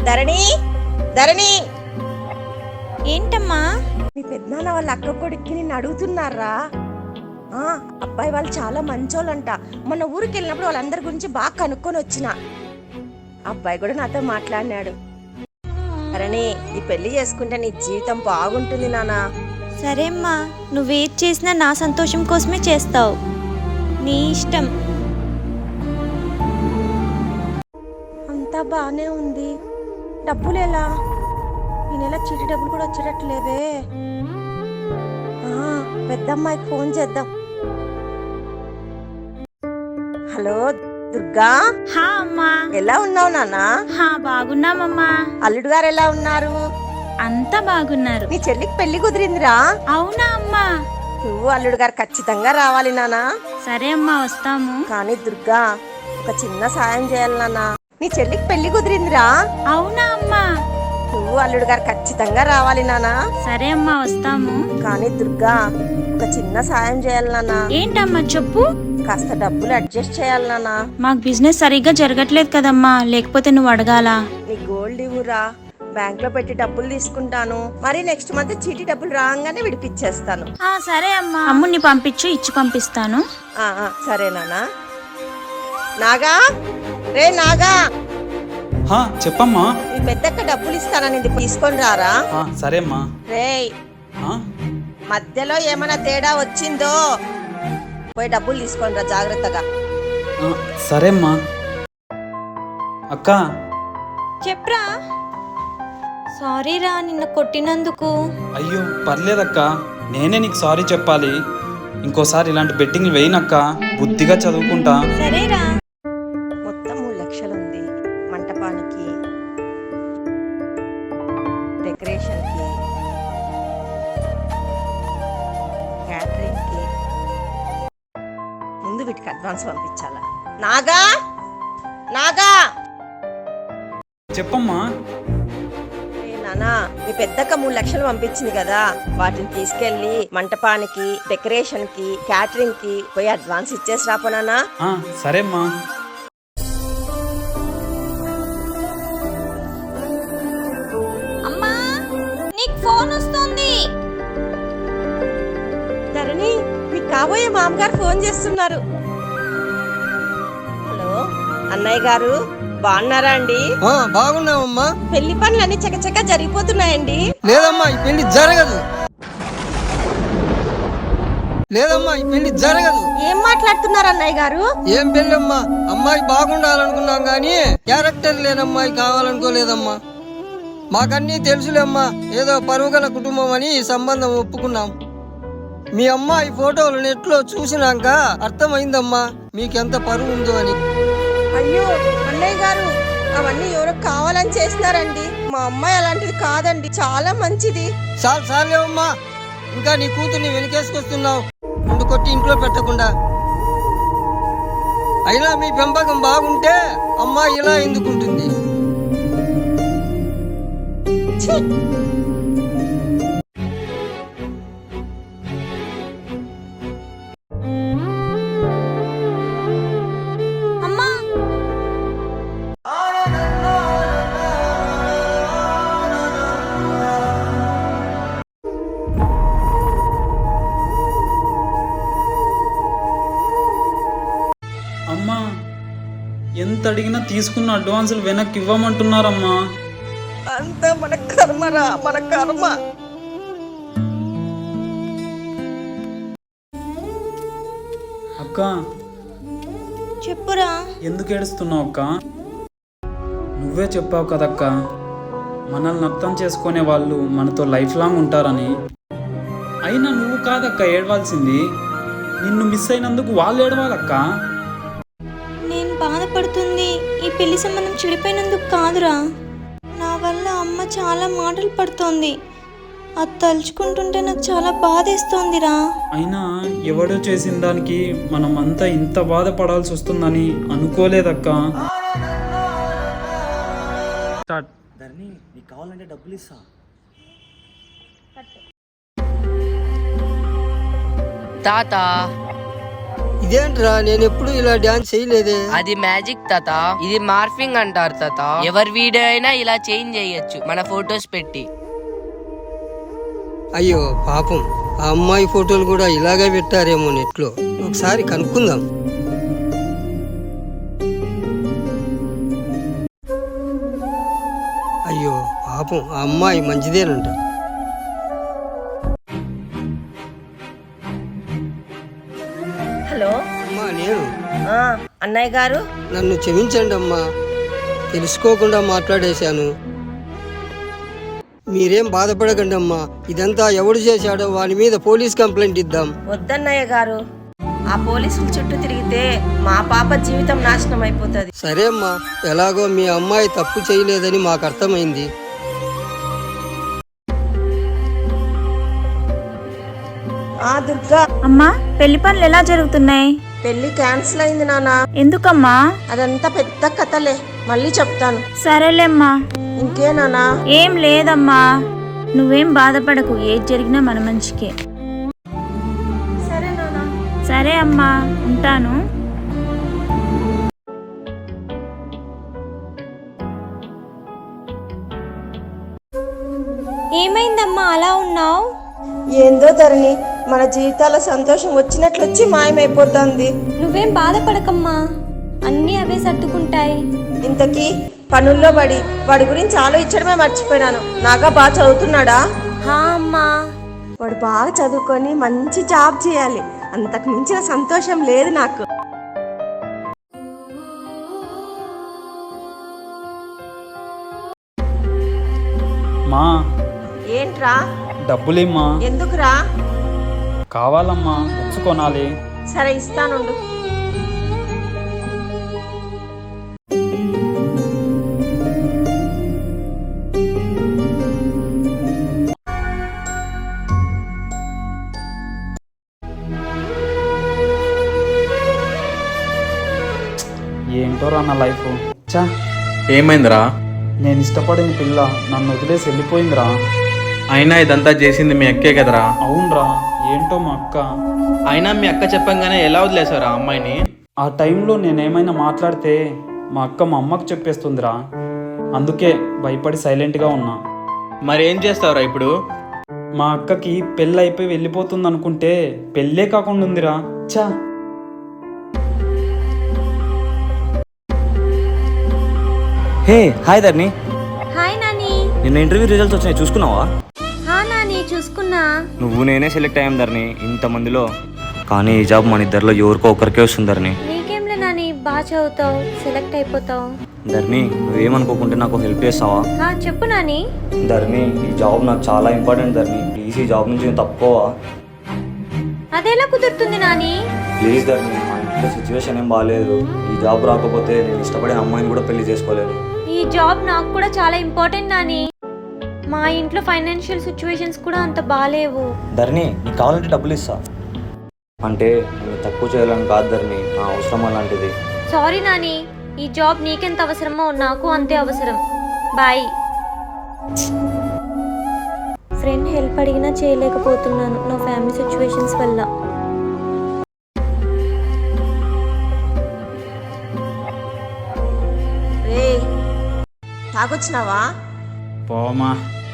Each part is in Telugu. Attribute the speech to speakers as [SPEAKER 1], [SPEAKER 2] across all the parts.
[SPEAKER 1] ధరణి, ధరణి,
[SPEAKER 2] ఏంటమ్మా?
[SPEAKER 1] మీ పెద్దనాన్న వాళ్ళ అక్క కొడుక్కి నిన్ను అడుగుతున్నారా? అబ్బాయి వాళ్ళు చాలా మంచోళ్ళంట. మొన్న ఊరికి వెళ్ళినప్పుడు వాళ్ళందరి గురించి బాగా కనుక్కొని వచ్చిన. అబ్బాయి కూడా నాతో మాట్లాడినాడు. ధరణి, ఈ పెళ్లి చేసుకుంటే నీ జీవితం బాగుంటుంది నానా.
[SPEAKER 2] సరే అమ్మా, నువ్వేది చేసినా నా సంతోషం కోసమే చేస్తావు. నీ ఇష్టం.
[SPEAKER 1] అంతా బానే ఉంది. డబ్బులు ఎలా? ఈ నెల చీటీ డబ్బులు కూడా వచ్చేటట్లేవే. పెద్దమ్మాయికి ఫోన్ చేద్దాం. హలో దుర్గా.
[SPEAKER 2] హా అమ్మా.
[SPEAKER 1] ఎలా ఉన్నావు నాన్నా?
[SPEAKER 2] బాగున్నామమ్మా.
[SPEAKER 1] అల్లుడు గారు ఎలా ఉన్నారు?
[SPEAKER 2] అంతా బాగున్నారు.
[SPEAKER 1] నీ చెల్లికి పెళ్లి కుదిరిందిరా?
[SPEAKER 2] అవునా అమ్మా?
[SPEAKER 1] నువ్వు అల్లుడు గారు ఖచ్చితంగా రావాలి నానా.
[SPEAKER 2] సరే అమ్మా, వస్తాము.
[SPEAKER 1] కానీ దుర్గా, ఒక చిన్న సాయం చేయాలి నాన్నా. నీ చెల్లికి పెళ్లి కుదిరిందిరా?
[SPEAKER 2] అవునా అమ్మా?
[SPEAKER 1] నువ్వు అల్లుడు గారు ఖచ్చితంగా రావాలి నానా.
[SPEAKER 2] సరే అమ్మా, వస్తాము.
[SPEAKER 1] కానీ దుర్గా, ఒక చిన్న సాయం చేయాలి నాన్నా.
[SPEAKER 2] ఏంటమ్మా చెప్పు.
[SPEAKER 1] కాస్త డబ్బులు అడ్జస్ట్ చేయాలి నాన్నా.
[SPEAKER 2] మాకు బిజినెస్ సరిగ్గా జరగట్లేదు కదమ్మా, లేకపోతే నువ్వు అడగాలా?
[SPEAKER 1] నీ గోల్డ్ ఇవ్వురా, బ్యాంక్ లో పెట్టి డబ్బులు తీసుకుంటాను. మరి నెక్స్ట్ మంత్ చీటీ డబ్బులు రాగానే విడిపిచ్చేస్తాను.
[SPEAKER 2] సరే అమ్మా. అమ్ముని పంపించు, ఇచ్చి పంపిస్తాను.
[SPEAKER 1] సరే నాన్నా. నాగా, రే నాగా.
[SPEAKER 3] చెప్పమ్మా.
[SPEAKER 1] మీ పెద్దక్క డబ్బులు ఇస్తానని తీసుకొని రారా.
[SPEAKER 3] సరే అమ్మా.
[SPEAKER 1] రే, మధ్యలో ఏమైనా తేడా వచ్చిందో పోయి డబ్బులు తీసుకొని రా జాగ్రత్తగా.
[SPEAKER 3] సరే అమ్మా. అక్క.
[SPEAKER 2] చెప్పరా. సారీ రా, నిన్న కొట్టినందుకు.
[SPEAKER 3] అయ్యో పర్లేదక్క, నేనే నీకు సారీ చెప్పాలి. ఇంకోసారి ఇలాంటి బెట్టింగ్లు వేయనక్క, బుద్ధిగా చదువుకుంటా.
[SPEAKER 2] సరేరా.
[SPEAKER 1] మొత్తం 3 లక్షలు ఉంది. మంటపానికి, డెకరేషన్ కి, క్యాటరింగ్ కి. ముందు వీటికి అడ్వాన్స్ పంపించాలా. నాగా, నాగా.
[SPEAKER 3] చెప్పమ్మా.
[SPEAKER 1] నానా, మీ పెద్దక్క 3 లక్షలు పంపించింది కదా, వాటిని తీసుకెళ్లి మంటపానికి, డెకరేషన్ కి, క్యాటరింగ్ కి పోయి అడ్వాన్స్ ఇచ్చేసి రాపోనా.
[SPEAKER 3] సరే అమ్మా.
[SPEAKER 2] అమ్మా, నీకు ఫోన్ వస్తుంది.
[SPEAKER 1] ధరణి, మీ కాబోయే మామగారు ఫోన్ చేస్తున్నారు. హలో అన్నయ్య గారు, బాగున్నారా అండి?
[SPEAKER 4] బాగున్నామమ్మా.
[SPEAKER 1] పెళ్లి పనులన్నీ చకచక జరిగిపోతున్నాయండి.
[SPEAKER 4] లేదమ్మా, ఈ పెళ్లి జరగదు. లేదమ్మా, ఈ పెళ్లి జరగదు.
[SPEAKER 1] ఏం మాట్లాడుతున్నారు అన్నయ్య గారు?
[SPEAKER 4] ఏం పెళ్ళమ్మా, అమ్మాయి బాగుండాలనుకున్నాం గానీ క్యారెక్టర్ లేని అమ్మాయి కావాలనుకోలేదమ్మా. మాకన్నీ తెలుసులేమ్మా, ఏదో పరువుగల కుటుంబం అని ఈ సంబంధం ఒప్పుకున్నాం. మీ అమ్మాయి ఫోటోలు నెట్లో చూసినాక అర్థమైందమ్మా మీకెంత పరువు ఉందో అని.
[SPEAKER 1] అయ్యో అన్నయ్య గారు, అవన్నీ ఎవరో కావాలని చేసినారండి. మా అమ్మాయి అలాంటిది కాదండి, చాలా మంచిది.
[SPEAKER 4] చాలేవమ్మా, ఇంకా నీ కూతుర్ని వెనకేసుకొస్తున్నావు. ముందు కొట్టి ఇంట్లో పెట్టకుండా. అయినా మీ పెంపకం బాగుంటే అమ్మాయి ఇలా ఎందుకుంటుంది?
[SPEAKER 3] అమ్మా, ఎంత అడిగినా తీసుకున్న అడ్వాన్సులు వెనక్కి ఇవ్వమంటున్నారమ్మా.
[SPEAKER 1] అంతా మన కర్మరా, మన కర్మ.
[SPEAKER 3] అక్క.
[SPEAKER 2] చెప్పురా.
[SPEAKER 3] ఎందుకు ఏడుస్తున్నావు అక్క? నువ్వే చెప్పావు కదక్క, మనల్ని అర్థం చేసుకునే వాళ్ళు మనతో లైఫ్ లాంగ్ ఉంటారని. అయినా నువ్వు కాదక్క ఏడవాల్సింది, నిన్ను మిస్ అయినందుకు వాళ్ళు ఏడవాలక్క.
[SPEAKER 2] నేను బాధపడుతుంది ఈ పెళ్లి సంబంధం చెడిపోయినందుకు కాదురా, నా వల్ల అమ్మ చాలా మాటలు పడుతోంది. అది తలుచుకుంటుంటే నాకు చాలా బాధేస్తోందిరా.
[SPEAKER 3] అయినా ఎవడో చేసిన దానికి మనం అంతా ఇంత బాధపడాల్సి వస్తుందని అనుకోలేదక్క.
[SPEAKER 5] ధరణి, నీకు కావాలంటే డబ్బులు ఇస్తా.
[SPEAKER 6] తాత
[SPEAKER 4] ఇదేంట్రా, నేను ఎప్పుడు ఇలా డాన్స్ చేయలేదే.
[SPEAKER 6] అది మ్యాజిక్ తాత, ఇది మార్ఫింగ్ అంటారు తాత. ఎవరి వీడియో అయినా ఇలా చేంజ్ చేయొచ్చు మన ఫొటోస్ పెట్టి.
[SPEAKER 4] అయ్యో పాపం, ఆ అమ్మాయి ఫోటోలు కూడా ఇలాగే పెట్టారేమో నెట్లో. ఒకసారి కనుక్కుందాం. అయ్యో పాపం, ఆ అమ్మాయి మంచిదేనంట.
[SPEAKER 1] హలో.
[SPEAKER 4] అమ్మా నేను.
[SPEAKER 1] అన్నయ్య గారు,
[SPEAKER 4] నన్ను క్షమించండి అమ్మా, తెలుసుకోకుండా మాట్లాడేశాను. మీరేం బాధపడకండి అమ్మా, ఇదంతా ఎవడు చేశాడో వాని మీద పోలీస్ కంప్లైంట్ ఇద్దాం.
[SPEAKER 1] వద్దన్నయ్య గారు, ఆ పోలీసుల చుట్టూ తిరిగితే మా పాప జీవితం నాశనం అయిపోతుంది.
[SPEAKER 4] సరే అమ్మా, ఎలాగో మీ అమ్మాయి తప్పు చేయలేదని మాకు అర్థమైంది.
[SPEAKER 1] దుర్గా.
[SPEAKER 2] అమ్మా, పెళ్లి పనులు ఎలా జరుగుతున్నాయి?
[SPEAKER 1] పెళ్లి క్యాన్సిల్ అయింది నాన్న.
[SPEAKER 2] ఎందుకమ్మా?
[SPEAKER 1] అదంతా పెద్ద కథలే, మళ్ళీ చెప్తాను.
[SPEAKER 2] సరేలేమ్మా.
[SPEAKER 1] ఇంకే నానా?
[SPEAKER 2] ఏం లేదమ్మా, నువ్వేం బాధపడకు, ఏది జరిగినా మన మంచికే.
[SPEAKER 1] సరే నానా.
[SPEAKER 2] సరే అమ్మా, ఉంటాను. ఏమైందమ్మా అలా ఉన్నావు?
[SPEAKER 1] ఏందో ధరణి, మన జీవితాల సంతోషం వచ్చినట్లు వచ్చి మాయమైపోతుంది.
[SPEAKER 2] నువ్వేం బాధపడకమ్మా, అన్నీ అవే సర్దుకుంటాయి.
[SPEAKER 1] ఇంతకీ పనుల్లో పడి వాడి గురించి ఆలోచించడమే మర్చిపోయినాను. నాగా బాగా చదువుతున్నాడా?
[SPEAKER 2] అమ్మా.
[SPEAKER 1] వాడు బాగా చదువుకొని మంచి జాబ్ చేయాలి, అంతకు మించిన సంతోషం లేదు నాకు.
[SPEAKER 3] మా
[SPEAKER 1] ఏంట్రా?
[SPEAKER 3] డబ్బులేమ్మా.
[SPEAKER 1] ఎందుకురా?
[SPEAKER 3] కావాలమ్మా, బుక్స్ కొనాలి.
[SPEAKER 1] సరే ఇస్తానుండు.
[SPEAKER 3] ఏంటోరా నా లైఫ్. చా,
[SPEAKER 7] ఏమైందిరా?
[SPEAKER 3] నేను ఇష్టపడిన పిల్ల నన్ను వదిలేసి వెళ్ళిపోయిందిరా.
[SPEAKER 7] అయినా ఇదంతా చేసింది మీ అక్కే కదరా?
[SPEAKER 3] అవునరా, ఏంటో మా అక్క.
[SPEAKER 7] అయినా మీ అక్క చెప్పంగానే ఎలా వదిలేసారా అమ్మాయిని?
[SPEAKER 3] ఆ టైంలో నేనేమైనా మాట్లాడితే మా అక్క మా అమ్మకు చెప్పేస్తుందిరా. అందుకే భయపడి సైలెంట్గా ఉన్నా.
[SPEAKER 7] మరి ఏం చేస్తావురా ఇప్పుడు?
[SPEAKER 3] మా అక్కకి పెళ్ళి అయిపోయి వెళ్ళిపోతుంది అనుకుంటే పెళ్ళే కాకుండా ఉందిరా. చా.
[SPEAKER 5] Hey hi Dharni,
[SPEAKER 2] hi Nani.
[SPEAKER 5] నిన్న ఇంటర్వ్యూ రిజల్ట్స్ వచ్చినాయి, చూసుకున్నావా?
[SPEAKER 2] నాని చూసుకున్నా.
[SPEAKER 5] నువ్వు నేనే సెలెక్ట్ అయ్యాం ధర్ని ఇంతమందిలో. కానీ ఈ జాబ్ మన ఇద్దరిలో ఎవరికో ఒకరికే వస్తుంది ధర్ని.
[SPEAKER 2] నీకేంలే నాని, బాగా చదువుతావు, సెలెక్ట్ అయిపోతావు.
[SPEAKER 5] ధర్ని, నువ్వేమనుకోకుంటే నాకు హెల్ప్ చేస్తావా?
[SPEAKER 2] చెప్పు నాని.
[SPEAKER 5] ధర్ని, ఈ జాబ్ నాకు చాలా ఇంపార్టెంట్ ధర్ని. ప్లీజ్ ఈ జాబ్ నుంచి నేను తప్పుకోవా?
[SPEAKER 2] అదెలా కుదురుతుంది నాని?
[SPEAKER 5] ప్లీజ్ ధర్ని, మా ఇంట్లో సిచ్యువేషన్ ఏం బాగాలేదు. ఈ జాబ్ రాకపోతే నేను ఇష్టపడే అమ్మాయిని కూడా పెళ్లి చేసుకోలేను.
[SPEAKER 2] ఈ జాబ్ నాకు కూడా చాలా ఇంపార్టెంట్ నాని. మా ఇంట్లో ఫైనాన్షియల్ సిచ్యువేషన్స్ కూడా అంత బాగాలేవు.
[SPEAKER 5] ధర్ని, నీకు కావాలంటే డబ్బులు ఇస్తా. అంటే నేను తక్కువ చేయాలని కాదు ధర్ని, నా అవసరం అలాంటిది.
[SPEAKER 2] సారీ నాని, ఈ జాబ్ నీకెంత అవసరమో నాకు అంతే అవసరం. బాయ్. ఫ్రెండ్ హెల్ప్ అడిగినా చేయలేకపోతున్నాను నా ఫ్యామిలీ సిచ్యువేషన్స్ వల్ల.
[SPEAKER 1] రే, తాగొచ్చినావా?
[SPEAKER 3] పోమా.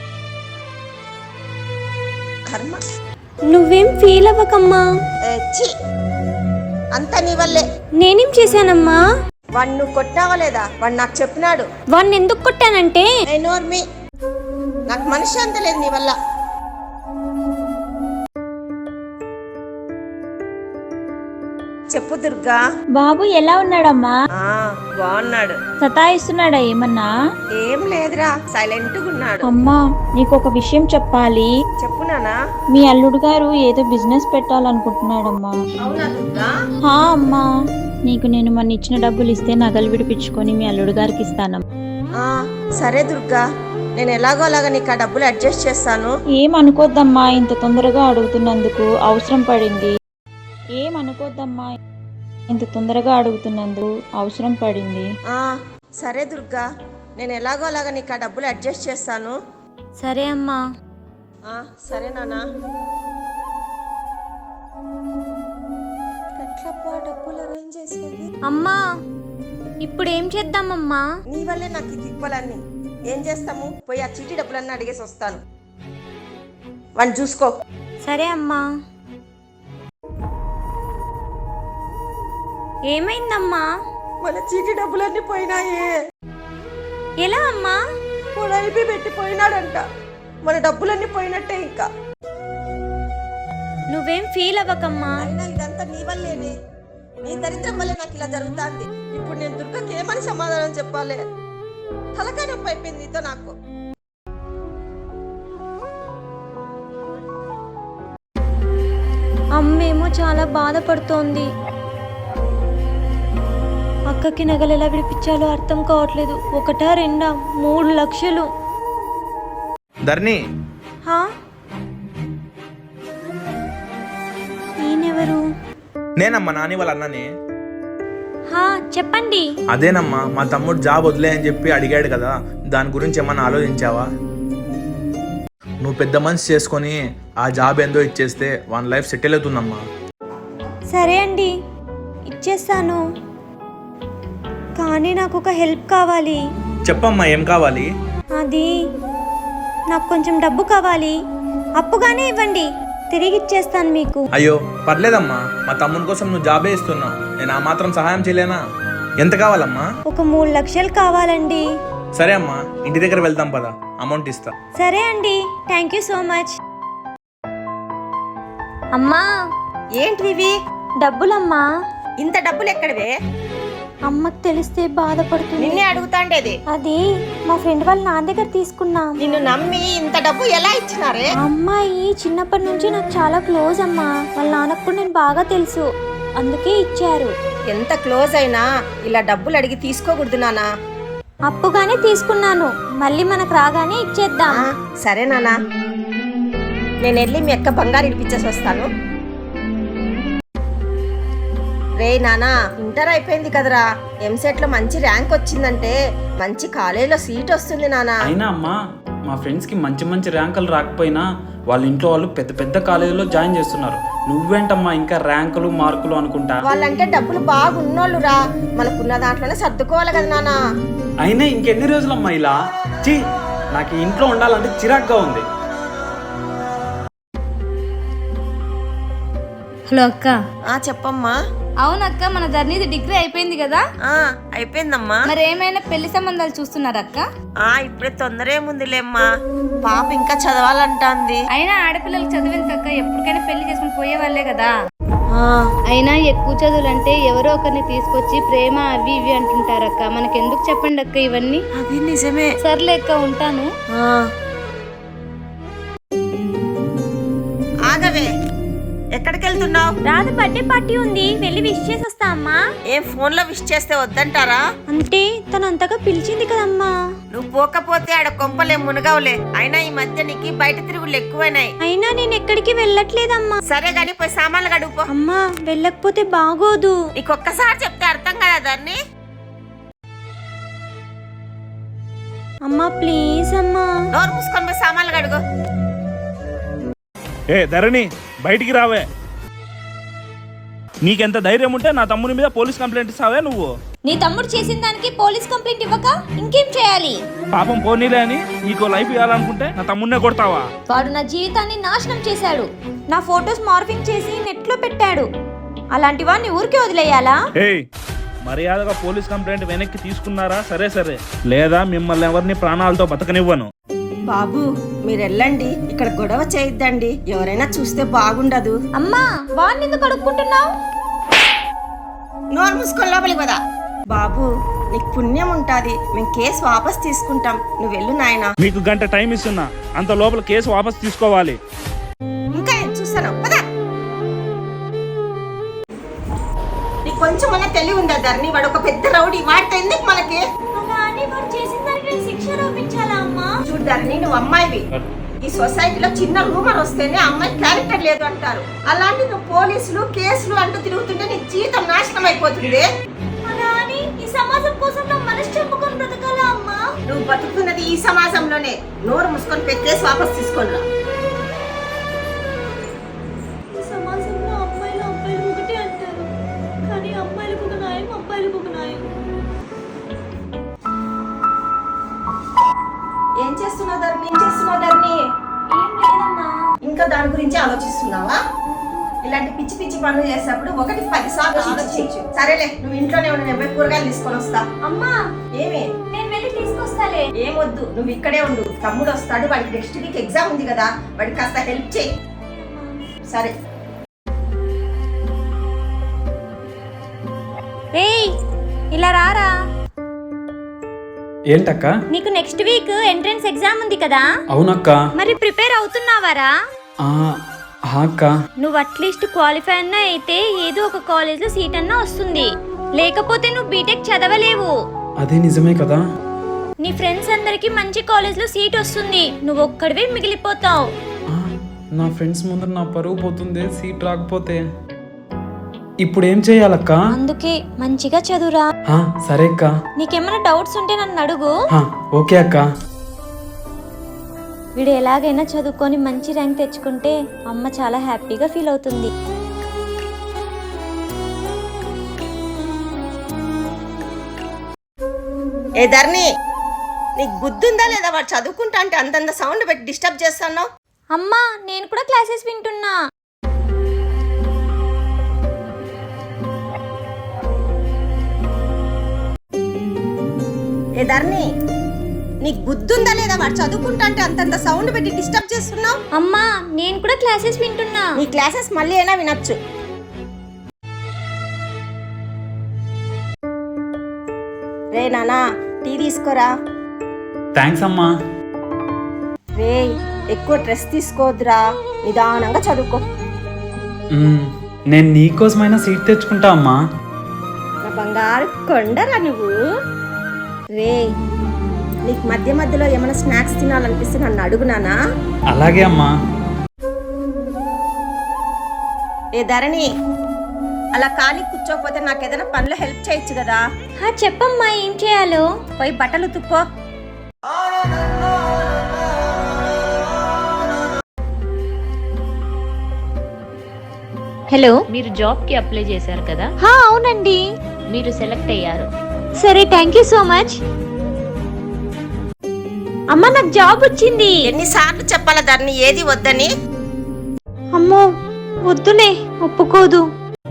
[SPEAKER 1] కర్మ.
[SPEAKER 2] నువ్వేం ఫీల్ అవ్వకమ్మా.
[SPEAKER 1] ఛీ, అంతా నీ వల్లే.
[SPEAKER 2] నేనేం చేశానమ్మా?
[SPEAKER 1] వాడు నువ్వు కొట్టావా లేదా? వాడు నాకు చెప్పినాడు.
[SPEAKER 2] వాడిని ఎందుకు కొట్టానంటే?
[SPEAKER 1] నోర్మి, నాకు మనశ్శాంతి లేదు నీ వల్ల. చెప్పు దుర్గా.
[SPEAKER 2] బాబు ఎలా ఉన్నాడమ్మా?
[SPEAKER 1] బాగున్నాడు.
[SPEAKER 2] సతాయిస్తున్నాడా ఏమన్నా?
[SPEAKER 1] ఏం లేదురా, సైలెంట్ గా ఉన్నాడు.
[SPEAKER 2] అమ్మా, నీకు ఒక విషయం చెప్పాలి.
[SPEAKER 1] చెప్పు నానా.
[SPEAKER 2] మీ అల్లుడు గారు ఏదో బిజినెస్ పెట్టాలనుకుంటున్నాడమ్మా.
[SPEAKER 1] అవునా దుర్గా?
[SPEAKER 2] అమ్మా, నీకు నేను మొన్న ఇచ్చిన డబ్బులు ఇస్తే నగలు విడిపించుకొని మీ అల్లుడు గారికి ఇస్తానమ్మా.
[SPEAKER 1] సరే దుర్గా, నేను ఎలాగో అలాగా నీకు ఆ డబ్బులు అడ్జస్ట్ చేస్తాను.
[SPEAKER 2] ఏమనుకోద్దమ్మా, ఇంత తొందరగా అడుగుతున్నందుకు, అవసరం పడింది. ఏమనుకోద్దమ్మా, ఇంత తొందరగా అడుగుతున్నందుకు అవసరం పడింది.
[SPEAKER 1] సరే దుర్గా, నేను ఎలాగో అలాగా నీకు ఆ డబ్బులు అడ్జస్ట్ చేస్తాను.
[SPEAKER 2] సరే అమ్మా.
[SPEAKER 1] సరే నానా. ఎట్లా ఏం చేసేది?
[SPEAKER 2] అమ్మా ఇప్పుడు ఏం చేద్దామమ్మా?
[SPEAKER 1] నీ వల్లే నాకు ఈ తిప్పలన్నీ. ఏం చేస్తాము? పోయి ఆ చీటీ డబ్బులన్నీ అడిగేసి వస్తాను. వాడిని చూసుకో.
[SPEAKER 2] సరే అమ్మా. ఏమైందమ్మా?
[SPEAKER 1] మన చీటీ డబ్బులన్నీ పోయినాయే.
[SPEAKER 2] ఎలా అమ్మా?
[SPEAKER 1] పొడైపి పెట్టి పోయినాడంట. మన డబ్బులన్నీ పోయినట్టే. ఇంకా
[SPEAKER 2] నువ్వేం ఫీల్ అవ్వకమ్మా.
[SPEAKER 1] అయినా ఇదంతా నీ వల్లేనే. నీ దరిద్రం వల్లే నాకు ఇలా జరుగుతుంది. ఇప్పుడు నేను దుర్గకి ఏమని సమాధానం చెప్పాలి? తలకాయ నొప్పి అయిపోయింది నీతో నాకు.
[SPEAKER 2] అమ్మేమో చాలా బాధపడుతోంది. అక్కకి నగలు ఎలా విడిపించాలో అర్థం కావట్లేదు. 1, 2, 3 లక్షలు.
[SPEAKER 7] ధరణి,
[SPEAKER 2] హా? ఈయనెవరు?
[SPEAKER 7] నేనమ్మా నాని వాళ్ళ అన్నని.
[SPEAKER 2] హా, చెప్పండి.
[SPEAKER 7] అదేనమ్మా, మా తమ్ముడు జాబ్ వదిలే అని చెప్పి అడిగాడు కదా, దాని గురించి ఏమన్నా ఆలోచించావా? నువ్వు పెద్ద మనిషి చేసుకొని ఆ జాబ్ ఏందో ఇచ్చేస్తే వన్ లైఫ్ సెటిల్ అవుతుందమ్మా.
[SPEAKER 2] సరే అండి, ఇచ్చేస్తాను. కానీ నాకు ఒక హెల్ప్ కావాలి.
[SPEAKER 7] చెప్పమ్మా, ఏం కావాలి?
[SPEAKER 2] అది నాకు కొంచెం డబ్బు కావాలి. అప్పుగానే ఇవ్వండి, తిరిగి ఇచ్చేస్తాను మీకు.
[SPEAKER 7] అయ్యో పర్లేదమ్మా, మా తమ్ముని కోసం నువ్వు జాబే ఇస్తున్నావు, నేను ఆ మాత్రం సహాయం చేయలేనా? ఎంత కావాలమ్మా?
[SPEAKER 2] ఒక 3 లక్షలు కావాలండి.
[SPEAKER 7] సరే అమ్మా, ఇంటి దగ్గర వెళ్దాం పదా, అమౌంట్ ఇస్తా.
[SPEAKER 2] సరే అండి, థ్యాంక్ యూ సో మచ్. అమ్మా,
[SPEAKER 1] ఏంటివి?
[SPEAKER 2] డబ్బులమ్మా.
[SPEAKER 1] ఇంత డబ్బులు ఎక్కడివే?
[SPEAKER 2] అమ్మకి తెలిస్తే బాధపడుతుంది.
[SPEAKER 1] నిన్నే అడుగుతాండేది.
[SPEAKER 2] అది మా ఫ్రెండ్ వాళ్ళ నాన్న దగ్గర తీసుకున్నాం.
[SPEAKER 1] నిన్ను నమ్మి ఇంత డబ్బు ఎలా ఇచ్చినారే?
[SPEAKER 2] అమ్మాయి చిన్నప్పటి నుంచి నాకు చాలా క్లోజ్ అమ్మా. వాళ్ళ నాన్నకు కూడా నేను బాగా తెలుసు, అందుకే ఇచ్చారు.
[SPEAKER 1] ఎంత క్లోజ్ అయినా ఇలా డబ్బులు అడిగి తీసుకోకూడదు నానా.
[SPEAKER 2] అప్పుగానే తీసుకున్నాను, మళ్ళీ మనకు రాగానే ఇచ్చేద్దాం.
[SPEAKER 1] సరే నానా, నేను వెళ్ళి మీ అక్క బంగారు ఇడిపించేసి వస్తాను. రే నానా, ఇంటర్ అయిపోయింది కదరా, ఎంసెట్ లో మంచి ర్యాంక్ వచ్చిందంటే మంచి కాలేజీలో సీట్ వస్తుంది నానా.
[SPEAKER 3] అయినా అమ్మా, మా ఫ్రెండ్స్కి మంచి మంచి ర్యాంకులు రాకపోయినా వాళ్ళ ఇంట్లో వాళ్ళు పెద్ద పెద్ద కాలేజీలో జాయిన్ చేస్తున్నారు. నువ్వేంటమ్మా ఇంకా ర్యాంకులు మార్కులు అనుకుంటా?
[SPEAKER 1] వాళ్ళంటే డబ్బులు బాగున్నోళ్ళు రా, మనకున్న దాంట్లోనే సర్దుకోవాలి కదా నానా.
[SPEAKER 3] అయినా ఇంకెన్ని రోజులమ్మా ఇలా? చీ, నాకు ఇంట్లో ఉండాలంటే చిరాగ్గా ఉంది.
[SPEAKER 8] హలో అక్క.
[SPEAKER 1] చెప్పమ్మా.
[SPEAKER 8] అవునక్క, మన ధరణిది డిగ్రీ అయిపోయింది కదా?
[SPEAKER 1] అయిపోయిందమ్మా.
[SPEAKER 8] మరి ఏమైనా పెళ్లి సంబంధాలు చూస్తున్నారక్క?
[SPEAKER 1] ఇప్పుడే తొందర ఏముందిలేమ్మా, పాప ఇంకా చదవాలంటాంది.
[SPEAKER 8] అయినా ఆడపిల్లలకు చదివేందుకక్క, ఎప్పటికైనా పెళ్లి చేసుకుని పోయేవాళ్లే కదా. అయినా ఎక్కువ చదువులంటే ఎవరో ఒకరిని తీసుకొచ్చి ప్రేమ అవి ఇవి అంటుంటారక్క, మనకెందుకు చెప్పండి అక్క ఇవన్నీ.
[SPEAKER 1] అది నిజమే.
[SPEAKER 8] సర్లే అక్క, ఉంటాను.
[SPEAKER 1] ఆగవే, ఎక్కడికి వెళ్తున్నావు?
[SPEAKER 2] రాధ బర్త్డే పార్టీ ఉంది, వెళ్ళి విష్ చేసి వస్తా అమ్మా.
[SPEAKER 1] ఏం ఫోన్ లో విష్ చేస్తే వద్దంటారా?
[SPEAKER 2] అంటే తను అంతగా పిలిచింది కదమ్మా.
[SPEAKER 1] నువ్వు పోకపోతే ఆడ కొంపలే మునగవులే. అయినా ఈ మధ్య నీకు బయట తిరుగులు ఎక్కువైనాయి.
[SPEAKER 2] అయినా నేను ఎక్కడికి వెళ్ళట్లేదమ్మా.
[SPEAKER 1] సరే గాని పోయి సామాన్లు గడుపు.
[SPEAKER 2] అమ్మా, వెళ్ళకపోతే బాగోదు.
[SPEAKER 1] నీకొక్కసారి చెప్తే అర్థం కదా దాన్ని.
[SPEAKER 2] అమ్మా ప్లీజ్ అమ్మా.
[SPEAKER 1] నోరు మూసుకొని పోయి సామాన్లు గడుగు.
[SPEAKER 9] ఏ ధరణి, బయటికి రావే. నీకెంత ధైర్యం ఉంటే నా తమ్ముని మీద పోలీస్ కంప్లైంట్ ఇస్తావే నువ్వు?
[SPEAKER 2] నీ తమ్ముడు చేసిన దానికి పోలీస్ కంప్లైంట్ ఇవ్వక ఇంకేం చేయాలి?
[SPEAKER 9] పాపం పోనీలే అని నీకు లైఫ్ ఇవ్వాలనుకుంటే నా తమ్మున్నే కొడతావా?
[SPEAKER 2] వాడు నా జీవితాన్ని నాశనం చేశాడు. నా ఫొటోస్ మార్ఫింగ్ చేసి నెట్ లో పెట్టాడు. అలాంటి వాడిని ఊరికే వదిలేయాలా?
[SPEAKER 9] ఏయ్, మర్యాదగా పోలీస్ కంప్లైంట్ వెనక్కి తీసుకున్నారా? సరే సరే, లేదా మిమ్మల్ని ఎవరిని ప్రాణాలతో బతకనివ్వను.
[SPEAKER 1] బాబు మీరు వెళ్ళండి, ఇక్కడ గొడవ చేయొద్దండి, ఎవరైనా చూస్తే బాగుండదు.
[SPEAKER 2] అమ్మా, వాడిని ఎందుకు అడుక్కుంటున్నావు?
[SPEAKER 1] నోరు మూసుకొని లోపలికి పదా. బాబు నీకు పుణ్యం ఉంటాది, మేము కేసు వాపస్ తీసుకుంటాం, నువ్వు వెళ్ళు నాయనా.
[SPEAKER 9] మీకు గంట టైం ఇస్తున్నా, అంత లోపల కేసు వాపస్ తీసుకోవాలి.
[SPEAKER 1] ఇంకా ఏం చూస్తాను పదా. నీకు కొంచెం అన్న తెలివి ఉందా ధరణి? వాడు ఒక పెద్ద రౌడీ, వాడితే ఎందుకు మనకి? చూడు ధరణి, నువ్వు అమ్మాయివి. ఈ సొసైటీలో చిన్న రూమర్ వస్తేనే అమ్మాయి క్యారెక్టర్ లేదు అంటారు. అలాంటి నువ్వు పోలీసులు కేసులు అంటూ తిరుగుతుంటే నీ జీవితం నాశనం అయిపోతుంది.
[SPEAKER 2] ఈ సమాజం కోసం నా మనసు చెప్పుకొని బ్రతకాలా అమ్మా?
[SPEAKER 1] నువ్వు బతుకుతున్నది ఈ సమాజంలోనే. నోరు మూసుకొని కేసు వాపస్ తీసుకొని రా.
[SPEAKER 2] ఈ సమాజంలో అమ్మాయిలు ఒకటే అంటారు, కానీ అమ్మాయిలు
[SPEAKER 1] ఏం చేస్తున్నావు ధరణి? ఇంకా దాని గురించి ఆలోచిస్తున్నావా? ఇలాంటి పిచ్చి పిచ్చి పనులు చేసేటప్పుడు 1-10 సార్లు ఆలోచించు. సరేలే, నువ్వు ఇంట్లోనే ఉండి నేను కూరగాయలు తీసుకొని వస్తా.
[SPEAKER 2] అమ్మా
[SPEAKER 1] ఏమి?
[SPEAKER 2] నేను వెళ్ళి తీసుకొస్తాలే.
[SPEAKER 1] ఏమొద్దు, నువ్వు ఇక్కడే ఉండు. తమ్ముడు వస్తాడు, వాడికి నెక్స్ట్ వీక్ ఎగ్జామ్ ఉంది కదా, వాడికి కాస్త హెల్ప్ చేయి. సరే.
[SPEAKER 2] ఏయ్ ఇలా రారా.
[SPEAKER 3] ఏంటక్క?
[SPEAKER 2] నీకు నెక్స్ట్ వీక్ ఎంట్రన్స్ ఎగ్జామ్ ఉంది కదా,
[SPEAKER 3] అవునక్క.
[SPEAKER 2] మరి ప్రిపేర్ అవుతున్నావారా?
[SPEAKER 3] అక్క,
[SPEAKER 2] నువ్వు అట్లీస్ట్ క్వాలిఫై అన్నా అయితే ఏదో ఒక కాలేజ్ లో సీట్ అన్నా వస్తుంది, లేకపోతే నువ్వు బీటెక్ చదవలేవు.
[SPEAKER 3] అదే నిజమే కదా.
[SPEAKER 2] నీ ఫ్రెండ్స్ అందరికి మంచి కాలేజ్ లో సీట్ వస్తుంది, నువ్వు ఒక్కడివే మిగిలిపోతావు.
[SPEAKER 3] నా ఫ్రెండ్స్ ముందర నా పరువు పోతుంది సీట్ రాకపోతే. ఇప్పుడు ఏం చేయాలక్క?
[SPEAKER 2] అందుకే మంచిగా చదువురా.
[SPEAKER 3] సరే అక్క.
[SPEAKER 2] నీకేమైనా డౌట్స్ ఉంటే నన్ను అడుగు.
[SPEAKER 3] ఓకే అక్క.
[SPEAKER 2] వీడు ఎలాగైనా చదువుకొని మంచి ర్యాంక్ తెచ్చుకుంటే అమ్మ చాలా హ్యాపీగా ఫీల్ అవుతుంది.
[SPEAKER 1] ఏ ధరణి, నీకు బుద్ధుందా లేదా? వాడు చదువుకుంటా అంటే అంతంత సౌండ్ పెట్టి డిస్టర్బ్ చేస్తాను.
[SPEAKER 2] అమ్మా నేను కూడా క్లాసెస్ వింటున్నా.
[SPEAKER 1] ఏ ధరణి, నీకు బుద్ధుందా లేదా? వాడు చదువుకుంటా అంటే అంతంత సౌండ్ పెట్టి డిస్టర్బ్ చేస్తున్నావు.
[SPEAKER 2] అమ్మా నేను కూడా క్లాసెస్ వింటున్నా.
[SPEAKER 1] నీ క్లాసెస్ మళ్ళీ అయినా వినొచ్చు. రే నానా, టీ తీసుకోరా.
[SPEAKER 3] థ్యాంక్స్ అమ్మా.
[SPEAKER 1] రే, ఎక్కువ స్ట్రెస్ తీసుకోవద్దురా, నిదానంగా చదువుకో.
[SPEAKER 3] నేను నీకోసమైనా సీట్ తెచ్చుకుంటా అమ్మా.
[SPEAKER 1] నా బంగారు కొండరా నువ్వు. రే, నీకు మధ్య మధ్యలో ఏమైనా స్నాక్స్ తినాలనిపిస్తే నన్ను అడుగునానా?
[SPEAKER 3] అలాగే అమ్మా.
[SPEAKER 1] ఏ ధరణి, అలా ఖాళీ కూర్చోకపోతే నాకు ఏదైనా పనిలో హెల్ప్ చేయొచ్చు కదా.
[SPEAKER 2] చెప్పమ్మా ఏం చేయాలో.
[SPEAKER 1] పోయి బట్టలు ఉతుక్కో.
[SPEAKER 2] హలో,
[SPEAKER 8] మీరు జాబ్ కి అప్లై చేశారు కదా,
[SPEAKER 2] అవునండి.
[SPEAKER 8] మీరు సెలెక్ట్ అయ్యారు.
[SPEAKER 2] సరే, థ్యాంక్ యూ సో మచ్. అమ్మ నాకు జాబ్ వచ్చింది.
[SPEAKER 1] ఎన్నిసార్లు చెప్పాలా ధరణి ఏది వద్దని?
[SPEAKER 2] అమ్మో వద్దులే, ఒప్పుకోదు.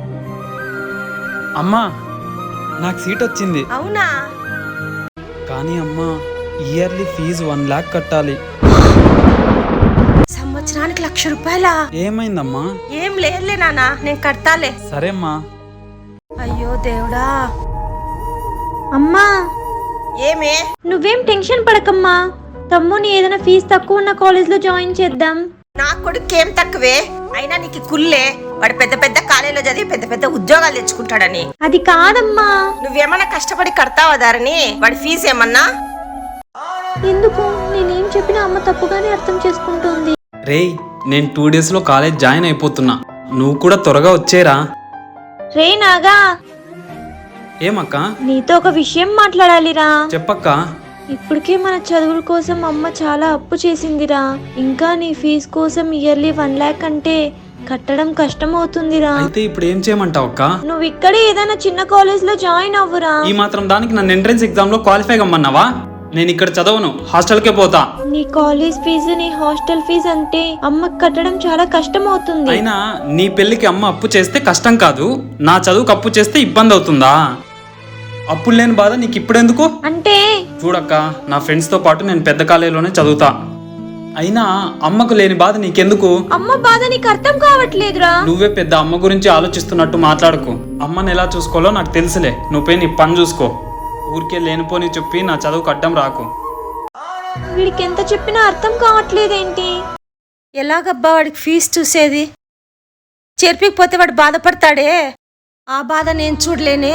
[SPEAKER 3] అమ్మా నాకు సీట్ వచ్చింది.
[SPEAKER 1] అవునా?
[SPEAKER 3] కానీ అమ్మా ఇయర్లీ ఫీజు 1 lakh కట్టాలి.
[SPEAKER 1] సంవత్సరానికి 1,00,000 రూపాయలా?
[SPEAKER 3] ఏమైందమ్మా?
[SPEAKER 1] ఏం లేదులే నాన్న, నేను కడతాలే.
[SPEAKER 3] సరే అమ్మా.
[SPEAKER 1] అయ్యో దేవుడా.
[SPEAKER 2] అమ్మా
[SPEAKER 1] ఏమే?
[SPEAKER 2] నువ్వేం టెన్షన్ పడకమ్మా, తమ్ముని ఏదైనా ఫీజు తక్కువ ఉన్న కాలేజ్ లో జాయిన్ చేద్దాం.
[SPEAKER 1] నా కొడుకు ఏం తక్కువే, అయినా నీకు కుల్లే. వాడు పెద్ద పెద్ద కాలేజీలో చదివి పెద్ద పెద్ద ఉద్యోగాలు తెచ్చుకుంటాడని.
[SPEAKER 2] అది కాదమ్మా.
[SPEAKER 1] నువ్వేమన్నా కష్టపడి కడతావా ధరణి వాడి ఫీజు ఏమన్నా?
[SPEAKER 2] ఎందుకు నేనేం చెప్పినా అమ్మ తప్పుగానే అర్థం చేసుకుంటుంది.
[SPEAKER 3] రేయ్, నేను 2 days లో కాలేజ్ జాయిన్ అయిపోతున్నా, నువ్వు కూడా త్వరగా వచ్చేరా.
[SPEAKER 2] రే నాగా,
[SPEAKER 3] ఏమక్క?
[SPEAKER 2] నీతో ఒక విషయం మాట్లాడాలిరా.
[SPEAKER 3] చెప్పక్క.
[SPEAKER 2] ఇప్పటికే మన చదువుల కోసం అమ్మ చాలా అప్పు చేసిందిరా. ఇంకా నీ ఫీజు కోసం ఇయర్లీ 1 lakh అంటే కట్టడం కష్టం అవుతుందిరా.
[SPEAKER 3] అయితే ఇప్పుడు ఏం చేయమంటావు అక్క?
[SPEAKER 2] నువ్వు ఇక్కడే ఏదైనా చిన్న కాలేజ్ లో జాయిన్ అవ్వురా.
[SPEAKER 3] ఈ మాత్రం దానికి నన్ను ఎంట్రన్స్ ఎగ్జామ్ లో క్వాలిఫై కమ్మన్నావా? నేను ఇక్కడ చదవను, హాస్టల్కే పోతా.
[SPEAKER 2] నీ కాలేజ్ ఫీజు నీ హాస్టల్ ఫీజు అంటే అమ్మకి కట్టడం చాలా కష్టం అవుతుంది.
[SPEAKER 3] అయినా నీ పెళ్లికి అమ్మ అప్పు చేస్తే కష్టం కాదు, నా చదువుకు అప్పు చేస్తే ఇబ్బంది అవుతుందా? అప్పులు లేని బాధ నీకు ఇప్పుడెందుకు?
[SPEAKER 2] అంటే
[SPEAKER 3] చూడక్క, నా ఫ్రెండ్స్ తో పాటు నేను పెద్ద కాలేజీలోనే చదువుతా. అయినా అమ్మకు లేని బాధ నీకెందుకు?
[SPEAKER 2] అమ్మ బాధ నీకు అర్థం కావట్లేదురా.
[SPEAKER 3] నువ్వే పెద్ద అమ్మ గురించి ఆలోచిస్తున్నట్టు మాట్లాడుకు. అమ్మని ఎలా చూసుకోవాలో నాకు తెలుసులే, నువ్వు పోయి నీ పని చూసుకో. ఊరికే లేనిపోని చెప్పి నా చదువుకు అడ్డం రాకు.
[SPEAKER 2] వీడికి ఎంత చెప్పినా అర్థం కావట్లేదేంటి?
[SPEAKER 1] ఎలాగబ్బా వాడికి ఫీజు చూసేది? చేర్పికపోతే వాడు బాధపడతాడే, ఆ బాధ నేను చూడలేనే.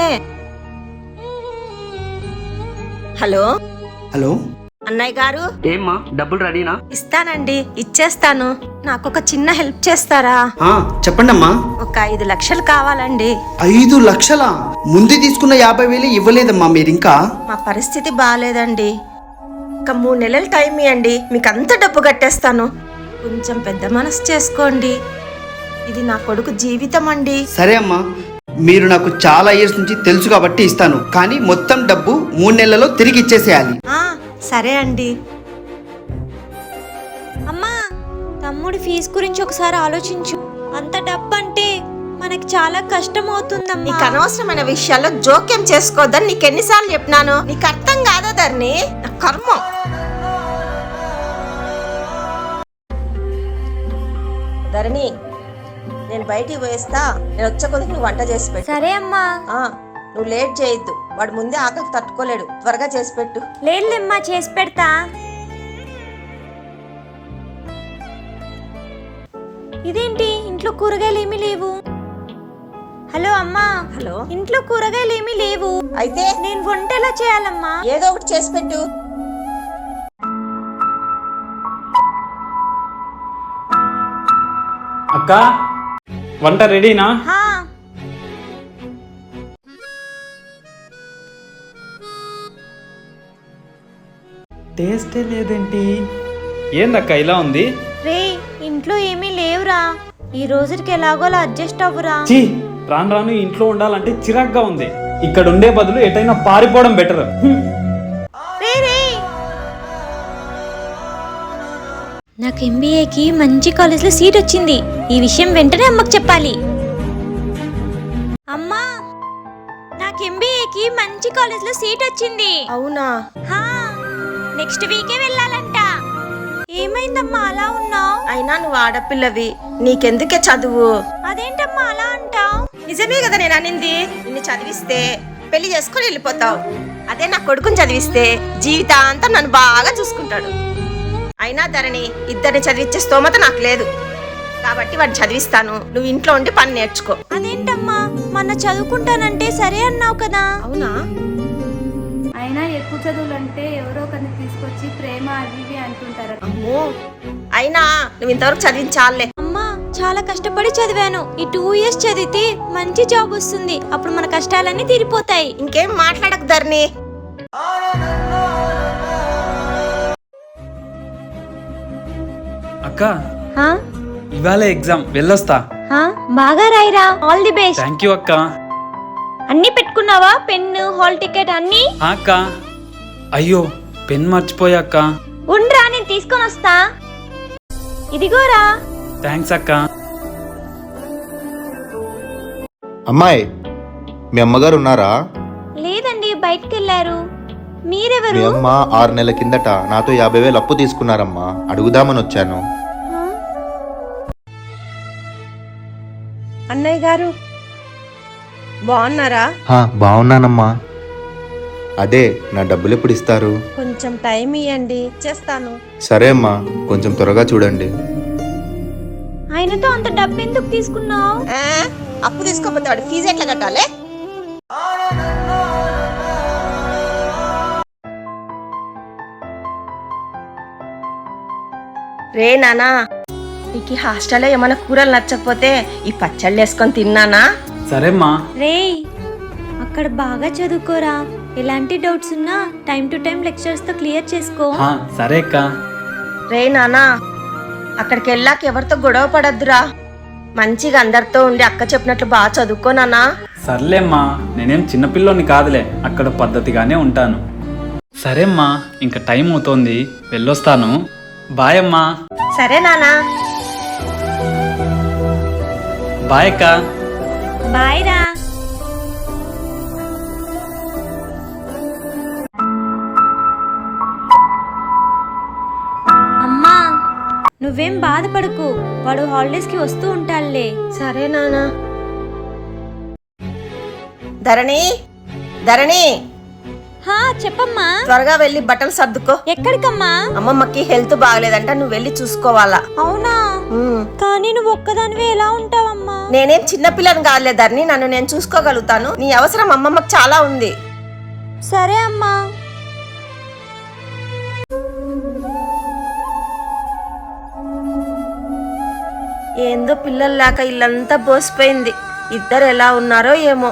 [SPEAKER 1] హలో
[SPEAKER 10] హలో
[SPEAKER 1] అన్నయ్య గారు.
[SPEAKER 10] ఏమ్మా, డబ్బులు రెడీనా?
[SPEAKER 1] ఇస్తానండి, ఇచ్చేస్తాను. నాకు ఒక చిన్న హెల్ప్ చేస్తారా?
[SPEAKER 10] చెప్పండి అమ్మా.
[SPEAKER 1] ఒక 5 లక్షలు కావాలండి.
[SPEAKER 10] 5 లక్షలా? ముందు తీసుకున్న 50,000 ఇవ్వలేదమ్మా మీరు ఇంకా?
[SPEAKER 1] మా పరిస్థితి బాగాలేదండి, ఒక 3 నెలలు టైం ఇవ్వండి, మీకు అంత డబ్బు కట్టేస్తాను. కొంచెం పెద్ద మనసు చేసుకోండి, ఇది నా కొడుకు జీవితం అండి.
[SPEAKER 10] సరే అమ్మా, మీరు నాకు చాలా ఇయర్స్ నుంచి తెలుసు కాబట్టి ఇస్తాను, కానీ మొత్తం డబ్బు 3 నెలల్లో తిరిగి ఇచ్చేసేయాలి.
[SPEAKER 1] సరే అండి.
[SPEAKER 2] తమ్ముడి ఫీజు గురించి ఒకసారి ఆలోచించు. అంత డబ్బు అంటే మనకి చాలా కష్టం అవుతుందమ్మా.
[SPEAKER 1] నీకు అనవసరమైన విషయాల్లో జోక్యం చేసుకోవద్దని నీకు ఎన్నిసార్లు చెప్పినాను? నీకు అర్థం కాదా ధరణి? నా కర్మ. ధరణి, నేను బయటికి పోయేస్తా. నేను వచ్చే కొద్దికి నువ్వు వంట చేసి పెట్టు.
[SPEAKER 2] సరే అమ్మా.
[SPEAKER 1] నువ్వు లేట్ చేయొద్దు, వాడు ముందే ఆకలి తట్టుకోలేడు. త్వరగా చేసి పెట్టు.
[SPEAKER 2] లేదులేమ్మా, చేసి పెడతా. ఇదేంటి ఇంట్లో కూరగాయలు ఏమీ లేవు? హలో అమ్మా.
[SPEAKER 1] హలో.
[SPEAKER 2] ఇంట్లో కూరగాయలు ఏమీ లేవు.
[SPEAKER 1] అయితే
[SPEAKER 2] నేను వంట ఎలా చేయాలమ్మా?
[SPEAKER 1] ఏదో ఒకటి చేసి పెట్టు.
[SPEAKER 3] అక్క, వంట రెడీనా?
[SPEAKER 2] హా.
[SPEAKER 3] టేస్టే లేదేంటి? ఏందక్క ఇలా ఉంది?
[SPEAKER 2] రే, ఇంట్లో ఏమీ లేవురా. ఈ రోజుకి ఎలాగోలా అడ్జస్ట్ అవ్వరా.
[SPEAKER 3] చీ, రాను రాను ఇంట్లో ఉండాలంటే చిరాగ్గా ఉంది. ఇక్కడ ఉండే బదులు ఎటైనా పారిపోవడం బెటర్.
[SPEAKER 2] రే రే, నాకు ఎంబీఏకి మంచి కాలేజ్లో సీట్ వచ్చింది. ఈ విషయం వెంటనే అమ్మకు చెప్పాలి. అమ్మా, నాకు ఎంబీఏకి మంచి కాలేజ్లో సీట్ వచ్చింది.
[SPEAKER 1] అవునా?
[SPEAKER 2] హా, నెక్స్ట్ వీకే వెళ్ళాలంట. ఏమైందమ్మా అలా ఉన్నావు?
[SPEAKER 1] అయినా నువ్వు ఆడపిల్లవి, నీకెందుకే చదువు?
[SPEAKER 2] అదేంటమ్మా అలా అంటావు?
[SPEAKER 1] నిజమే కదా నేను అనింది. నిన్ను చదివిస్తే పెళ్లి చేసుకొని వెళ్ళిపోతావు. అదే నా కొడుకుని చదివిస్తే జీవితాంతం నన్ను బాగా చూసుకుంటాడు. అయినా ధరణి, ఇద్దరిని చదివించే స్తోమత నాకు లేదు కాబట్టి వాడిని చదివిస్తాను. నువ్వు ఇంట్లో ఉండి పని నేర్చుకో.
[SPEAKER 2] అదేంటమ్మా, మొన్న చదువుకుంటానంటే సరే అన్నావు కదా?
[SPEAKER 1] అవునా?
[SPEAKER 8] అయినా ఎక్కువ చదువులు అంటే ఎవరో ఒకరిని తీసుకొచ్చి ప్రేమ అవి ఇవి అంటుంటారు.
[SPEAKER 1] అమ్మో, అయినా నువ్వు ఇంతవరకు చదివించాలే.
[SPEAKER 2] అమ్మా, చాలా కష్టపడి చదివాను. ఈ 2 years చదివితే మంచి జాబ్ వస్తుంది. అప్పుడు మన కష్టాలన్నీ తీరిపోతాయి.
[SPEAKER 1] ఇంకేం మాట్లాడకు ధరణి.
[SPEAKER 3] అక్క, ఇవాళ ఎగ్జామ్, వెళ్ళొస్తా.
[SPEAKER 2] బాగా రాయిరా. All the best.
[SPEAKER 3] Thank you అక్క.
[SPEAKER 2] అన్ని పెట్టుకున్నావా? పెన్ను, హాల్ టికెట్ అన్ని?
[SPEAKER 3] అక్క, అయ్యో పెన్ మర్చిపోయా అక్క.
[SPEAKER 2] ఉండ్రా, నేను తీసుకొని వస్తా. ఇదిగోరా.
[SPEAKER 3] థ్యాంక్స్ అక్క.
[SPEAKER 11] అమ్మాయి, మీ అమ్మగారు ఉన్నారా?
[SPEAKER 2] లేదండి, బయటికి వెళ్ళారు.
[SPEAKER 11] మీ
[SPEAKER 2] మీరెవరు?
[SPEAKER 11] అమ్మ 6 నెలల కిందట నాతో 50,000 అప్పు తీసుకున్నారమ్మా. అడుగుదామని వచ్చాను.
[SPEAKER 1] అన్నయ్య గారు బాగున్నారా?
[SPEAKER 11] బాగున్నానమ్మా. అదే, నా డబ్బులు ఎప్పుడు ఇస్తారు?
[SPEAKER 1] కొంచెం టైం ఇవ్వండి, చేస్తాను.
[SPEAKER 11] సరే అమ్మా, కొంచెం త్వరగా చూడండి.
[SPEAKER 2] ఆయనతో అంత డబ్బు ఎందుకు తీసుకున్నావు?
[SPEAKER 1] అప్పు తీసుకోకపోతే వాడు ఫీజు ఎట్లా కట్టాలి? రే నానా, నీకు హాస్టల్లో ఏమైనా కూరలు నచ్చకపోతే ఈ పచ్చళ్ళు వేసుకొని తిన్నానా?
[SPEAKER 3] సరేమ్మా.
[SPEAKER 2] రేయ్, అక్కడ బాగా చదువుకోరా. ఎలాంటి డౌట్స్ ఉన్నా టైం టు టైం లెక్చర్స్ తో క్లియర్ చేసుకో.
[SPEAKER 3] సరే అక్క.
[SPEAKER 1] రే నానా, అక్కడికి వెళ్ళాక ఎవరితో గొడవ పడద్దురా. మంచిగా అందరితో ఉండి అక్క చెప్పినట్లు బాగా చదువుకోనానా.
[SPEAKER 3] సర్లేమ్మా, నేనేం చిన్నపిల్లోని కాదులే, అక్కడ పద్ధతిగానే ఉంటాను. సరేమ్మా, ఇంకా టైం అవుతోంది, వెళ్ళొస్తాను. బాయ్ అమ్మా.
[SPEAKER 1] సరే నానా.
[SPEAKER 3] బాయ్ అక్క.
[SPEAKER 2] బాయ్ రా. అమ్మా, నువ్వేం బాధపడకు. వాడు హాలిడేస్ కి వస్తూ ఉంటాడులే.
[SPEAKER 1] సరే నానా. ధరణి, ధరణి,
[SPEAKER 2] హా చెప్పమ్మా.
[SPEAKER 1] త్వరగా వెళ్ళి బట్టలు సర్దుకో.
[SPEAKER 2] ఎక్కడికమ్మా?
[SPEAKER 1] అమ్మమ్మకి హెల్త్ బాగలేదంట, నువ్వు వెళ్ళి చూసుకోవాలా.
[SPEAKER 2] అవునా? కానీ నువ్వు ఒక్కదానివే ఎలా ఉంటావమ్మా?
[SPEAKER 1] నేనేం చిన్నపిల్లని కాదులే ధరణి, నన్ను నేను చూసుకోగలుగుతాను. నీ అవసరం అమ్మమ్మకి చాలా ఉంది.
[SPEAKER 2] సరే అమ్మా.
[SPEAKER 1] ఏందో పిల్లల్లాక ఇల్లంతా బోసిపోయింది. ఇద్దరు ఎలా ఉన్నారో ఏమో.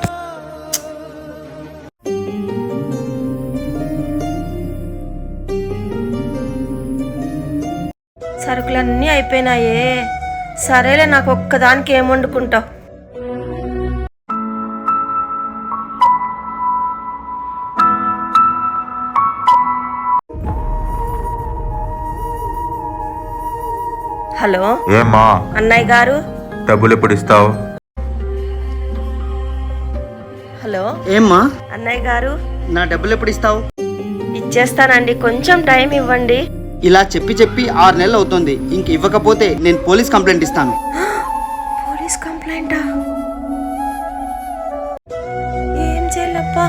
[SPEAKER 1] సరుకులన్నీ అయిపోయినాయే. సరేలే, నాకు ఒక్కదానికి ఏం వండుకుంటావు? హలో
[SPEAKER 11] ఏమ్మా
[SPEAKER 1] అన్నయ్య గారు.
[SPEAKER 11] డబ్బులు ఎప్పుడు ఇస్తావు?
[SPEAKER 1] హలో
[SPEAKER 10] ఏమ్మా
[SPEAKER 1] అన్నయ్య గారు.
[SPEAKER 10] నా డబ్బులు ఎప్పుడు ఇస్తావు?
[SPEAKER 1] ఇచ్చేస్తానండి, కొంచెం టైం ఇవ్వండి.
[SPEAKER 10] ఇలా చెప్పి 6 నెలలు అవుతుంది. ఇంక ఇవ్వకపోతే నేను పోలీస్ కంప్లైంట్ ఇస్తాను.
[SPEAKER 1] పోలీస్ కంప్లైంటా? ఏం చేయాలప్పా?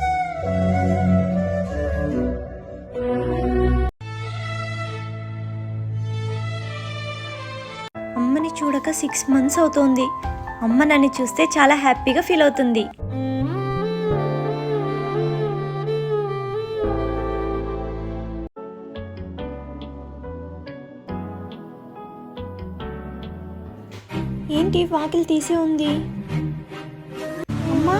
[SPEAKER 2] అమ్మని చూడక 6 months అవుతోంది. అమ్మ నన్ను చూస్తే చాలా హ్యాపీగా ఫీల్ అవుతుంది. ఏంటి వాకిలి తీసే ఉంది? అమ్మా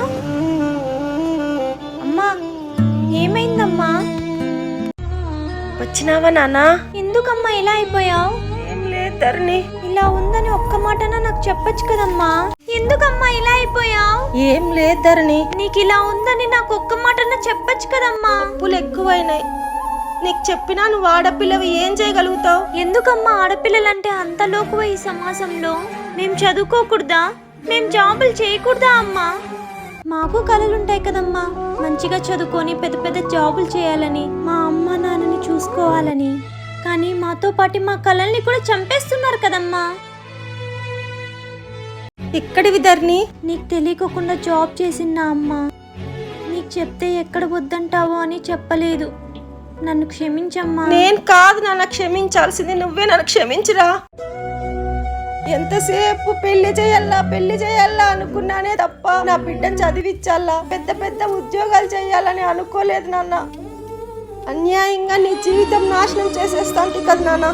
[SPEAKER 2] అమ్మా ఏమైందమ్మా?
[SPEAKER 1] వచ్చినావా నాన్నా?
[SPEAKER 2] ఎందుకమ్మా ఇలా అయిపోయావు?
[SPEAKER 1] ఏం లేదు ధరణి.
[SPEAKER 2] ఇలా ఉందని ఒక్క మాటన నాకు చెప్పొచ్చు కదమ్మా. ఎందుకమ్మా ఇలా అయిపోయావు?
[SPEAKER 1] ఏం లేదు ధరణి.
[SPEAKER 2] నీకు ఇలా ఉందని నాకు ఒక్క మాటన చెప్పొచ్చు కదమ్మా.
[SPEAKER 1] అప్పులు ఎక్కువైనాయి. నీకు చెప్పినా నువ్వు ఆడపిల్లవి, ఏం చేయగలుగుతావు?
[SPEAKER 2] ఎందుకమ్మా ఆడపిల్లలంటే అంత లోకువ ఈ సమాజంలో? మేం చదువుకోకూడదా? మేం జాబులు చేయకూడదా అమ్మా? మాకు కలలుంటాయి కదమ్మా, మంచిగా చదువుకొని పెద్ద పెద్ద జాబులు చేయాలని, మా అమ్మ నాన్నని చూసుకోవాలని. కానీ మాతో పాటు మా కలల్ని కూడా చంపేస్తున్నారు కదమ్మా.
[SPEAKER 1] ఇక్కడివి ధరణి.
[SPEAKER 2] నీకు తెలియకోకుండా జాబ్ చేసిన అమ్మ నీకు చెప్తే ఎక్కడ వద్దంటావో అని చెప్పలేదు. నన్ను క్షమించమ్మా.
[SPEAKER 1] నేను కాదు నాన్న క్షమించాల్సింది, నువ్వే నన్ను క్షమించురా. ఎంతసేపు పెళ్లి చేయాలా అనుకున్నానే తప్ప నా బిడ్డను చదివించాలా, పెద్ద పెద్ద ఉద్యోగాలు చేయాలని అనుకోలేదు నాన్న. అన్యాయంగా నీ జీవితం నాశనం చేసేస్తాంటి కదా నాన్న.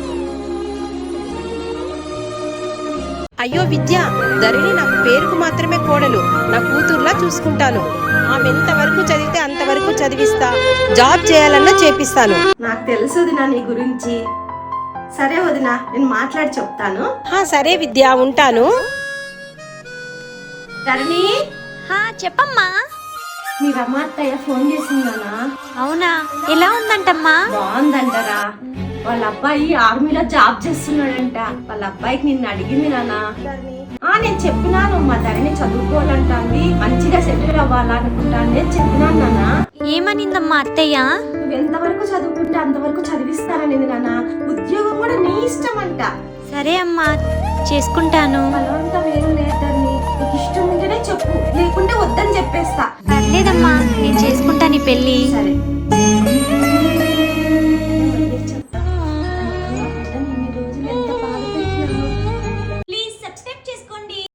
[SPEAKER 12] అయ్యో విద్య, ధరణి నాకు పేరుకు మాత్రమే కోడలు, నా కూతుర్లా చూసుకుంటాను. ఆమె ఎంతవరకు చదివితే అంతవరకు చదివిస్తా, జాబ్ చేయాలన్నా చేపిస్తాను.
[SPEAKER 1] నాకు తెలుసు వదినా నీ గురించి. సరే వదినా, నేను మాట్లాడి చెప్తాను.
[SPEAKER 12] సరే విద్య, ఉంటాను.
[SPEAKER 1] ధరణి,
[SPEAKER 2] చెప్పమ్మా.
[SPEAKER 1] మీ రమ్మ అత్తయ్య ఫోన్ చేసిందానా?
[SPEAKER 2] అవునా, ఎలా ఉందంటమ్మా?
[SPEAKER 1] బాగుందంటారా? వాళ్ళ అబ్బాయి ఆర్మీలో జాబ్ చేస్తున్నాడంట. వాళ్ళ అబ్బాయికి నిన్ను అడిగింది నాన్న. నేను చెప్పినాను, మా ధరణి చదువుకోవాలంటాంది, మంచిగా సెటిల్ అవ్వాలనుకుంటాను నేను చెప్పినాను నాన్న.
[SPEAKER 2] ఏమనిందమ్మా అత్తయ్య?
[SPEAKER 1] నువ్వు ఎంతవరకు చదువుకుంటే అంతవరకు చదివిస్తాననేది నాన్న. ఉద్యోగం కూడా నీ ఇష్టం అంట.
[SPEAKER 2] సరే అమ్మా, చేసుకుంటాను.
[SPEAKER 1] బలవంతం ఏం లేదు ధరణి, నీకు ఇష్టం ఉంటేనే చెప్పు, లేకుంటే వద్దని చెప్పేస్తా.
[SPEAKER 2] పర్లేదమ్మా, నేను చేసుకుంటాను ఈ పెళ్ళి.
[SPEAKER 1] సరే.